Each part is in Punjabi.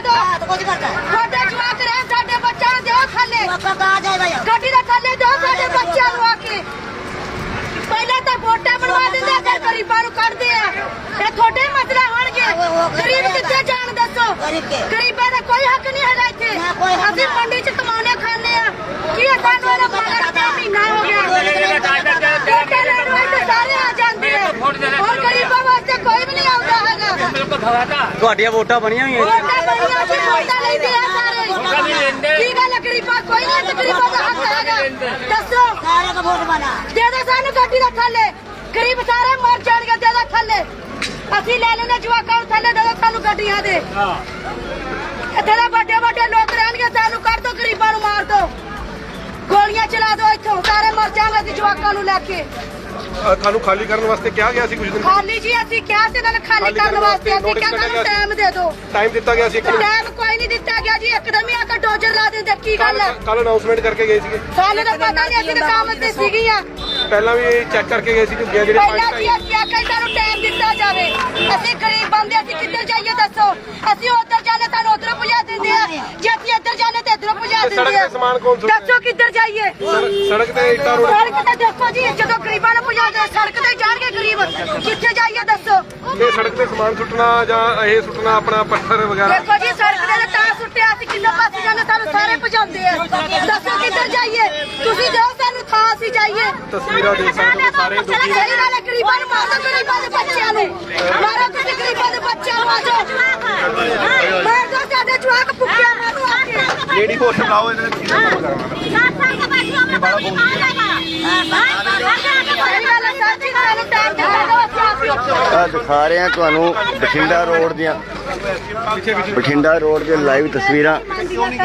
दो छोटे जवाक रहे साडे बच्चों दो थले गड्डी दे थले दो साडे बच्चों नु आके पहले तो वोटा बनवा देंगे अगर गरीबां नु कढदे आ ये थोड़े मसला होणगे गरीब कित्थे जाण दसो गरीबां दा कोई हक नहीं हैगा इत्थे असीं मंडी च कमाने खाने आ की सानू ना मगर महीना हो गया वोटां लेण वास्ते सारे आ जांदे आ और गरीबां वास्ते कोई भी नहीं आउंदा हैगा ਤੁਹਾਡੀਆਂ ਵੋਟਾਂ ਬਣੀਆਂ ਹੋਈਆਂ वोटां बणियां सी वोटां लैंदे आ सारे की गल गरीबां कोई नहीं गरीबां दा हक हैगा दसो सारे का वोट बना दे दे सानू गड्डी दा थल्ले गरीब सारे मर जाणगे दे दे थल्ले ਅਸੀਂ ਲੈ ਲੈਣੇ ਜਵਾਕਾਂ ਨੂੰ ਥੱਲੇ ਦੇ ਸਾਨੂੰ ਗੱਡੀਆਂ ਦੇ ਇੱਥੇ ਦੇ ਵੱਡੇ ਵੱਡੇ ਲੋਕ ਰਹਿਣਗੇ ਸਾਨੂੰ ਕੱਢ ਦੋ ਗਰੀਬਾਂ ਨੂੰ ਮਾਰ ਦੋ ਗੋਲੀਆਂ ਚਲਾ ਦੋ ਇੱਥੋਂ ਸਾਰੇ ਮਰ ਜਾਣਗੇ ਅਸੀਂ ਜਵਾਕਾਂ ਨੂੰ ਲੈ ਕੇ ਤੁਹਾਨੂੰ ਖਾਲੀ ਕਰਨ ਵਾਸਤੇ ਕਿਹਾ ਗਿਆ ਸੀ ਕੁਝ ਦਿਨ ਖਾਲੀ ਜੀ ਅਸੀਂ ਕਿਹਾ ਸੀ ਇਹਨਾਂ ਨੇ ਖਾਲੀ ਕਰਨ ਵਾਸਤੇ ਅਸੀਂ ਕਿਹਾ ਸਾਨੂੰ ਟਾਈਮ ਦੇ ਦਿਓ ਟਾਈਮ ਦਿੱਤਾ ਗਿਆ ਸੀ ਟਾਈਮ ਕੋਈ ਨਹੀਂ ਦਿੱਤਾ ਗਿਆ ਜੀ ਇੱਕਦਮ ਹੀ ਆ ਕੇ ਡੋਜ਼ਰ ਲਾ ਦਿੰਦੇ ਕੀ ਗੱਲ ਹੈ ਕੱਲ ਅਨਾਉਂਸਮੈਂਟ ਕਰਕੇ ਗਏ ਸੀਗੇ ਸਾਨੂੰ ਤਾਂ ਪਤਾ ਨਹੀਂ ਅਸੀਂ ਤਾਂ ਕੰਮ ਤੇ ਸੀਗੀਆਂ ਪਹਿਲਾਂ ਵੀ ਚੈੱਕ ਕਰਕੇ ਗਏ ਸੀ ਕਿ ਜਿਹੜੇ ਪਹਿਲਾਂ ਜੀ ਅਸੀਂ ਆਖਿਆ ਸਾਨੂੰ ਟਾਈਮ ਦਿੱਤਾ ਜਾਵੇ ਅਸੀਂ ਗਰੀਬ ਬੰਦੇ ਅਸੀਂ ਕਿੱਧਰ ਜਾਈਏ ਦੱਸੋ ਅਸੀਂ ਉੱਧਰ ਜਾਣੇ ਸਾਨੂੰ ਉੱਧਰ ਪੁਜਾ ਦਿੰਦੇ ਆ ਜੇ ਅਸੀਂ ਇੱਧਰ ਜਾਣੇ ਤੇ ਇੱਧਰ ਪੁਜਾ ਦਿੰਦੇ ਆ ਦੱਸੋ ਕਿੱਧਰ ਜਾਈਏ ਸੜਕ ਤੇ ਇੱਟਾਂ ਰੋਡ ਸੜਕ ਤੇ ਦੇਖੋ ਜੀ ਜਦੋਂ ਗਰੀਬਾਂ ਨੂੰ ਪੁਜਾ ਦੇ ਸੜਕ ਤੇ ਜਾਣਗੇ ਗਰੀਬ ਕਿੱਥੇ ਜਾਈਏ ਦੱਸੋ ਤੇ ਸੜਕ ਤੇ ਸਮਾਨ ਸੁੱਟਣਾ ਜਾਂ ਇਹ ਸੁੱਟਣਾ ਆਪਣਾ ਪੱਥਰ ਵਗੈਰਾ ਦੇਖੋ ਜੀ ਸੜਕ ਤੇ ਤਾਂ ਸੁੱਟਿਆ ਅਸੀਂ ਕਿੰਨੇ ਪਾਸੇ ਜਾਂਦੇ ਸਾਨੂੰ ਸਾਰੇ ਭਜਾਉਂਦੇ ਆ ਦੱਸੋ ਕਿੱਧਰ ਜਾਈਏ ਤੁਸੀਂ ਦਿਓ ਸਾਨੂੰ ਥਾਂ ਅਸੀਂ ਜਾਈਏ ਤਸਵੀਰਾਂ ਦੇਖ ਸਕਦੇ ਹੋ ਸਾਰੇ ਦੁਖੀ ਸਹੀ ਗੱਲ ਹੈ ਗਰੀਬਾਂ ਨੂੰ ਮਾਰੋ ਗਰੀਬਾਂ ਦੇ ਬੱਚਿਆਂ ਨੂੰ ਮਾਰੋ ਤੁਸੀਂ ਗਰੀਬਾਂ ਦੇ ਬੱਚਿਆਂ ਨੂੰ ਆ ਜਾਓ ਮਾਰ ਦੋ ਸਾਡੇ ਜਵਾਕ ਭੁੱਖਿਆ ਮਾਰੋ ਆ ਕੇ ਜਿਹੜੀ ਹੋਸ਼ ਲਾਓ ਇਹਨਾਂ ਨੇ ਕਿਹਦਾ ਕੰਮ ਕਰਨਾ ਸਹੀ ਗੱਲ ਹੈ ਸਰ ਜੀ ਸਾਨੂੰ ਟਾਈਮ ਦਿੱਤਾ ਦਿਓ ਅਸੀਂ ਆ ਦਿਖਾ ਰਹੇ ਹਾਂ ਤੁਹਾਨੂੰ ਬਠਿੰਡਾ ਰੋਡ ਦੀਆਂ ਲਾਈਵ ਤਸਵੀਰਾਂ ਸਰ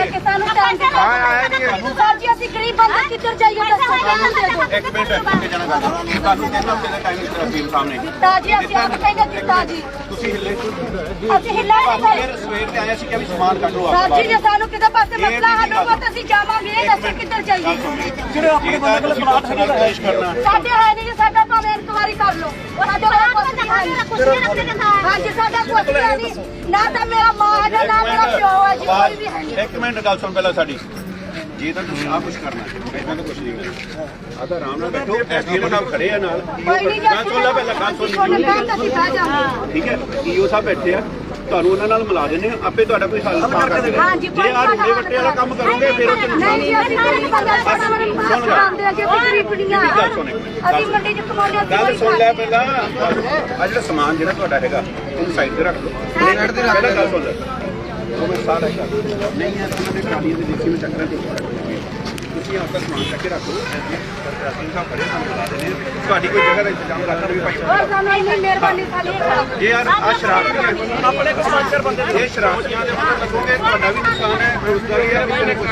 ਜੀ ਅਸੀਂ ਗਰੀਬ ਬੰਦੇ ਕਿੱਧਰ ਜਾਈਏ ਦੱਸੋ ਸਾਨੂੰ ਦੇ ਦਿਓ ਇੱਕ ਮਿੰਟ ਅੱਗੇ ਜਾਣਾ ਗੱਲ ਤੁਹਾਨੂੰ 3 ਹਫ਼ਤੇ ਦਾ ਟਾਈਮ ਦਿੱਤਾ ਟੀਮ ਸਾਹਮਣੇ ਤਾਜੀ ਅਸੀਂ ਆਪ ਕਹਿੰਦੇ ਦਿੱਤਾ ਜੀ ਤੁਸੀਂ ਹਿੱਲੇ ਅਸੀਂ ਹਿੱਲਾ ਨਹੀਂ ਫਿਰ ਸਵੇਰ ਤੇ ਆਇਆ ਸੀ ਕਿ ਵੀ ਸਮਾਨ ਕੱਢ ਲਓ ਸਰ ਜੀ ਜੇ ਸਾਨੂੰ ਕਿਤੇ ਪਾਸੇ ਮਸਲਾ ਹੱਲ ਹੋਊਗਾ ਤਾਂ ਅਸੀਂ ਜਾਵਾਂਗੇ ਇਹ ਦੱਸੋ ਕਿੱਧਰ ਜਾਈਏ ਜਿਹੜੇ ਆਪਣੇ ਬੰਦੇ ਕੋਲ ਸਮਾਨ ਹੈਗਾ ਪੇਸ਼ ਕਰਨਾ ਸਾਡੇ ਹੈ ਨਹੀਂ ਜੀ ਸਾਡਾ ਭਾਵੇਂ ਇਨਕੁਆਰੀ ਕਰ ਲਓ ਸਾਡੇ ਕੋਲ ਕੁਛ ਨਹੀਂ ਹੈ ਹਾਂਜੀ ਸਾਡਾ ਕੁਛ ਨਹੀਂ ਨਾ ਤਾਂ ਮੇਰਾ ਮਾਂ ਹੈਗਾ ਨਾ ਮੇਰਾ ਪਿਓ ਹੈ ਜੀ ਕੋਈ ਵੀ ਹੈ ਨਹੀਂ ਇੱਕ ਮਿੰਟ ਗੱਲ ਸੁਣ ਪਹਿਲਾਂ ਸਾਡੀ ਜੇ ਤਾਂ ਤੁਸੀਂ ਆਹ ਕੁਝ ਕਰਨਾ ਇਹਨਾਂ ਤਾਂ ਕੁਝ ਨਹੀਂ ਕਰਨਾ ਆ ਤਾਂ ਆਰਾਮ ਨਾਲ ਬੈਠੋ ਐਸਡੀਓ ਸਾਹਿਬ ਖੜੇ ਆ ਨਾਲ ਕੋਈ ਨਹੀਂ ਜੀ ਗੱਲ ਸੁਣ ਲੈ ਪਹਿਲਾਂ ਗੱਲ ਸੁਣ ਅਸੀਂ ਬਹਿ ਜਾਵਾਂਗੇ ਠੀਕ ਹੈ ਈਓ ਸਾਹਿਬ ਬੈਠੇ ਆ ਤੁਹਾਨੂੰ ਉਹਨਾਂ ਨਾਲ ਮਿਲਾ ਦਿੰਦੇ ਆ ਆਪੇ ਤੁਹਾਡਾ ਕੋਈ ਹੱਲ ਕਰ ਦੇਣਗੇ ਹਾਂਜੀ ਜੇ ਆ ਰੁੱਡੇ ਵੱਟੇ ਵਾਲਾ ਕੰਮ ਕਰੋਗੇ ਫਿਰ ਉਹ ਨਹੀਂ ਜੀ ਅਸੀਂ ਗਰੀਬ ਬੰਦੇ ਕਰਾਉਂਦੇ ਆ ਜੀ ਅਸੀਂ ਗਰੀਬੜੀਆਂ ਅਸੀਂ ਮੰਡੀ ਚ ਕਮਾਉਂਦੇ ਆ ਗੱਲ ਸੁਣ ਲੈ ਪਹਿਲਾਂ ਆ ਜਿਹੜਾ ਸਮਾਨ ਜਿਹੜਾ ਤੁਹਾਡਾ ਹੈਗਾ ਉਹਨੂੰ ਸਾਈਡ ਤੇ ਰੱਖ ਲਓ ਪਹਿਲਾਂ ਗੱਲ ਸੁਣ ਲੈ ਉਹ ਮੈਂ ਸਾਰਾ ਹੀ ਨਹੀਂ ਹੈ ਤਾਂ ਉਹਨਾਂ ਦੇ ਟਰਾਲੀਆਂ ਦੇ ਨੀਚੇ ਵਿੱਚ ਚੱਕਰਾਂ ਤੇ ਤੁਸੀਂ ਆਪਣਾ ਸਮਾਨ ਚੱਕ ਕੇ ਰੱਖੋ ਅਸੀਂ ਸਾਹਿਬ ਖੜੇ ਸਾਨੂੰ ਬੁਲਾ ਦੇਣੇ ਤੁਹਾਡੀ ਕੋਈ ਜਗ੍ਹਾ ਦਾ ਇੰਤਜ਼ਾਮ ਰੱਖਣ ਵੀ ਭਾਈ ਹੋਰ ਸਾਨੂੰ ਇੰਨੀ ਮਿਹਰਬਾਨੀ ਸਾਡੀ ਜੇ ਯਾਰ ਆ ਸ਼ਰਾਰਤੀਆਂ ਆਪਣੇ ਕਮਾਂਡਰ ਬੰਦੇ ਇਹ ਸ਼ਰਾਰਤੀਆਂ ਦੇ ਮਗਰ ਲੱਗੋਗੇ ਤੁਹਾਡਾ ਵੀ ਨੁਕਸਾਨ ਹੈ ਰੋਜ਼ਗਾਰੀ ਹੈ ਵੀ ਕੁਝ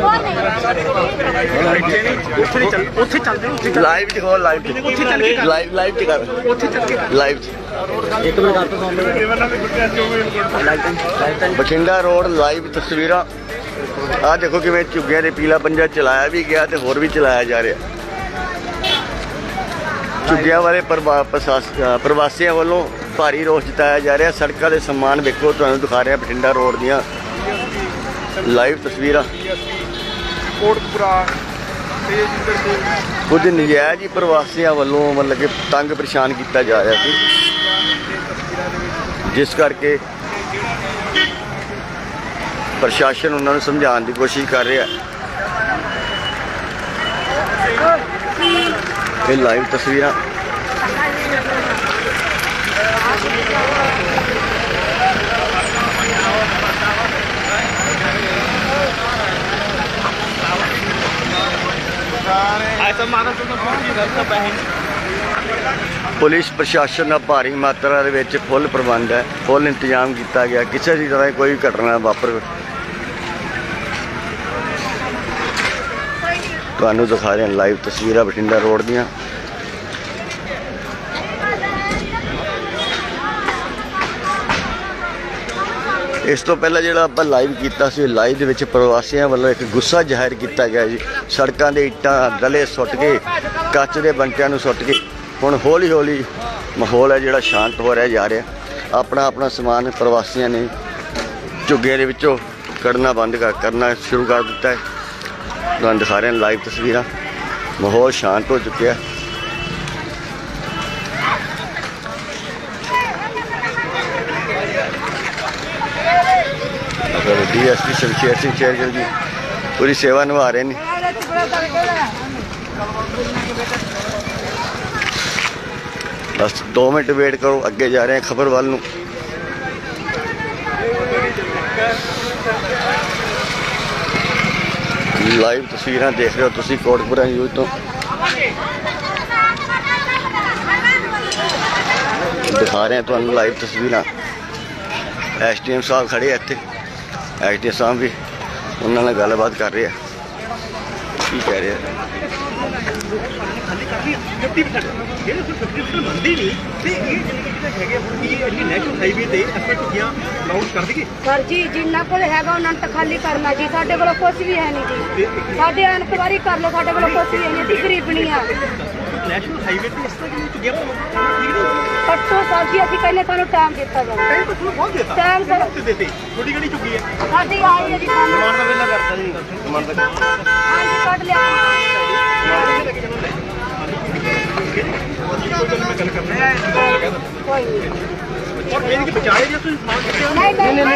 ਨਹੀਂ ਉੱਥੇ ਚੱਲਦੇ ਲਾਈਵ ਚ ਹੋ ਲਾਈਵ ਚ ਕਰ ਉੱਥੇ ਚੱਲ ਕੇ ਲਾਈਵ ਚ ਇੱਕ ਮਿੰਟ ਗੱਲ ਤਾਂ ਸੁਣ ਬਠਿੰਡਾ ਰੋਡ ਲਾਈਵ ਤਸਵੀਰਾਂ ਆ ਦੇਖੋ ਕਿਵੇਂ ਝੁੱਗੀਆਂ ਦੇ ਪੀਲਾ ਪੰਜਾ ਚਲਾਇਆ ਵੀ ਗਿਆ ਤੇ ਹੋਰ ਵੀ ਚਲਾਇਆ ਜਾ ਰਿਹਾ ਝੁੱਗੀਆਂ ਵਾਲੇ ਪ੍ਰਵਾਸੀਆਂ ਵੱਲੋਂ ਭਾਰੀ ਰੋਸ ਜਤਾਇਆ ਜਾ ਰਿਹਾ ਸੜਕਾਂ ਦੇ ਸਮਾਨ ਵੇਖੋ ਤੁਹਾਨੂੰ ਦਿਖਾ ਰਿਹਾ ਬਠਿੰਡਾ ਰੋਡ ਦੀਆਂ ਲਾਈਵ ਤਸਵੀਰਾਂ ਕੋਟਪੁਰਾ ਕੁਝ ਨਜਾਇਜ਼ ਹੀ ਪ੍ਰਵਾਸੀਆਂ ਵੱਲੋਂ ਮਤਲਬ ਕਿ ਤੰਗ ਪਰੇਸ਼ਾਨ ਕੀਤਾ ਜਾ ਰਿਹਾ ਸੀ ਜਿਸ ਕਰਕੇ ਪ੍ਰਸ਼ਾਸਨ ਉਹਨਾਂ ਨੂੰ ਸਮਝਾਉਣ ਦੀ ਕੋਸ਼ਿਸ਼ ਕਰ ਰਿਹਾ ਇਹ ਲਾਈਵ ਤਸਵੀਰਾਂ ਪੁਲਿਸ ਪ੍ਰਸ਼ਾਸਨ ਦਾ ਭਾਰੀ ਮਾਤਰਾ ਦੇ ਵਿੱਚ ਫੁੱਲ ਪ੍ਰਬੰਧ ਹੈ ਫੁੱਲ ਇੰਤਜ਼ਾਮ ਕੀਤਾ ਗਿਆ ਕਿਸੇ ਵੀ ਤਰ੍ਹਾਂ ਕੋਈ ਘਟਨਾ ਵਾਪਰ ਤੁਹਾਨੂੰ ਦਿਖਾ ਰਹੇ ਹਾਂ ਲਾਈਵ ਤਸਵੀਰਾਂ ਬਠਿੰਡਾ ਰੋਡ ਦੀਆਂ ਇਸ ਤੋਂ ਪਹਿਲਾਂ ਜਿਹੜਾ ਆਪਾਂ ਲਾਈਵ ਕੀਤਾ ਸੀ ਲਾਈਵ ਦੇ ਵਿੱਚ ਪ੍ਰਵਾਸੀਆਂ ਵੱਲੋਂ ਇੱਕ ਗੁੱਸਾ ਜ਼ਾਹਿਰ ਕੀਤਾ ਗਿਆ ਜੀ ਸੜਕਾਂ ਦੇ ਇੱਟਾਂ ਡਲੇ ਸੁੱਟ ਕੇ ਕੱਚ ਦੇ ਬੰਟਿਆਂ ਨੂੰ ਸੁੱਟ ਕੇ ਹੁਣ ਹੌਲੀ ਹੌਲੀ ਮਾਹੌਲ ਹੈ ਜਿਹੜਾ ਸ਼ਾਂਤ ਹੋ ਰਿਹਾ ਜਾ ਰਿਹਾ ਆਪਣਾ ਸਮਾਨ ਪ੍ਰਵਾਸੀਆਂ ਨੇ ਝੁੱਗੇ ਦੇ ਵਿੱਚੋਂ ਕੱਢਣਾ ਕਰਨਾ ਸ਼ੁਰੂ ਕਰ ਦਿੱਤਾ ਹੈ। ਤੁਹਾਨੂੰ ਦਿਖਾ ਰਹੇ ਹਾਂ ਲਾਈਵ ਤਸਵੀਰਾਂ। ਮਾਹੌਲ ਸ਼ਾਂਤ ਹੋ ਚੁੱਕਿਆ ਹੈ। DSP ਸ਼ਮਸ਼ੇਰ ਸਿੰਘ ਸ਼ੇਰਗਿੱਲ ਜੀ ਪੂਰੀ ਸੇਵਾ ਨਿਭਾ ਰਹੇ ਨੇ। ਬਸ 2 ਮਿੰਟ ਵੇਟ ਕਰੋ, ਅੱਗੇ ਜਾ ਰਹੇ ਹਾਂ ਖਬਰ ਵੱਲ ਨੂੰ। ਲਾਈਵ ਤਸਵੀਰਾਂ ਦੇਖ ਰਹੇ ਹੋ ਤੁਸੀਂ ਕੋਟਕਪੂਰਾ ਨਿਊਜ਼ ਤੋਂ। ਦਿਖਾ ਰਹੇ ਹਾਂ ਤੁਹਾਨੂੰ ਲਾਈਵ ਤਸਵੀਰਾਂ। SDM ਸਾਹਿਬ ਖੜੇ ਆ ਇੱਥੇ। SDM ਸਾਹਿਬ ਵੀ ਉਹਨਾਂ ਨਾਲ ਗੱਲਬਾਤ ਕਰ ਰਹੇ ਆ। ਕੀ ਕਹਿ ਰਹੇ ਆ? ਸਰ ਜੀ ਜਿੰਨਾ ਕੋਲ ਹੈਗਾ ਉਹਨਾਂ ਨੂੰ ਤਾਂ ਖਾਲੀ ਕਰਨਾ ਜੀ। ਸਾਡੇ ਕੋਲ ਕੁਝ ਵੀ ਹੈ ਨਹੀਂ ਜੀ। ਸਾਡੇ ਇਨਕੁਆਇਰੀ ਕਰ ਲਓ, ਸਾਡੇ ਕੋਲ ਕੁਝ ਵੀ ਹੈ ਨਹੀਂ। ਅਸੀਂ ਗਰੀਬਣੀ ਆ। ਨੈਸ਼ਨਲ ਹਾਈਵੇ ਤੇ ਇਸ ਤਰ੍ਹਾਂ ਜਿਵੇਂ ਚੁੱਗਿਆ ਪਰਸੋਂ ਸਰ ਜੀ ਅਸੀਂ ਕਹਿੰਦੇ ਸਾਨੂੰ ਟਾਈਮ ਦਿੱਤਾ ਜਾਵੇ। ਟਾਈਮ ਸਰ ਥੋੜੀ ਗੜੀ ਚੁੱਕੀ ਹੈ। ਸਾਡੀ ਆਈ ਹੈ ਜੀ ਸਾਨੂੰ। ਦਾ ਵੇਲਾ ਕਰਤਾ ਜੀ ਸਮਾਨ ਦਾ ਹਾਂਜੀ ਕੱਢ ਲਿਆ। ਮੈਂ ਗੱਲ ਕਰਨਾ ਕੋਈ ਨਹੀਂ। ਔਰ ਇਹ ਕਿ ਬਚਾਏ ਜੇ ਤੁਸੀਂ ਸਮਾਨ ਨਹੀਂ ਨਹੀਂ